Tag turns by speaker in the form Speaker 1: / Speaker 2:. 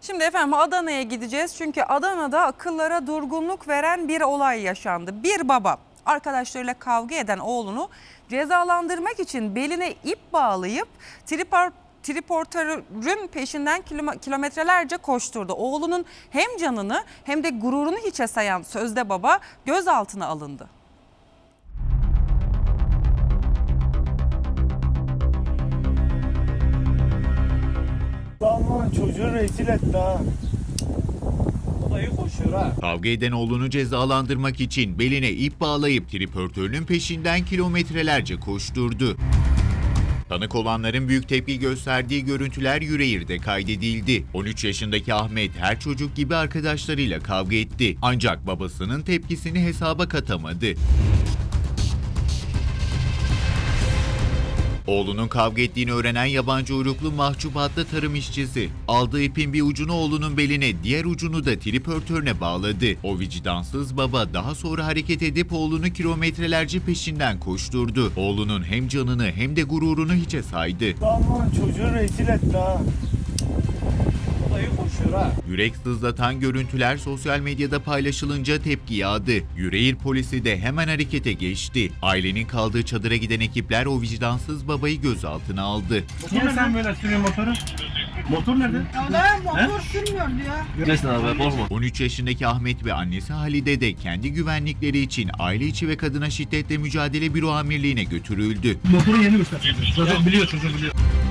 Speaker 1: Şimdi efendim Adana'ya gideceğiz çünkü Adana'da akıllara durgunluk veren bir olay yaşandı. Bir baba arkadaşlarıyla kavga eden oğlunu cezalandırmak için beline ip bağlayıp triportörün peşinden kilometrelerce koşturdu. Oğlunun hem canını hem de gururunu hiçe sayan sözde baba gözaltına alındı.
Speaker 2: Aman çocuğu rezil etti ha. Olayı koşuyor ha.
Speaker 3: Kavga eden oğlunu cezalandırmak için beline ip bağlayıp triportörünün peşinden kilometrelerce koşturdu. Tanık olanların büyük tepki gösterdiği görüntüler Yüreğir'de kaydedildi. 13 yaşındaki Ahmet her çocuk gibi arkadaşlarıyla kavga etti. Ancak babasının tepkisini hesaba katamadı. Oğlunun kavga ettiğini öğrenen yabancı uyruklu Mahcup adlı tarım işçisi aldığı ipin bir ucunu oğlunun beline, diğer ucunu da triportörüne bağladı. O vicdansız baba daha sonra hareket edip oğlunu kilometrelerce peşinden koşturdu. Oğlunun hem canını hem de gururunu hiçe saydı.
Speaker 2: Aman çocuğu rezil etti ha. Olayı koşuyor ha.
Speaker 3: Yürek sızlatan görüntüler sosyal medyada paylaşılınca tepki yağdı. Yüreğir polisi de hemen harekete geçti. Ailenin kaldığı çadıra giden ekipler o vicdansız babayı gözaltına aldı.
Speaker 2: Niye sen böyle sürüyorsun motoru? Motor nerede?
Speaker 4: Ya motor sürmüyor diyor.
Speaker 2: Nesin abi korkma.
Speaker 3: 13 yaşındaki Ahmet ve annesi Halide de kendi güvenlikleri için aile içi ve kadına şiddetle mücadele büro amirliğine götürüldü.
Speaker 2: Motoru yeni göster. Zaten biliyor çocuğu biliyor.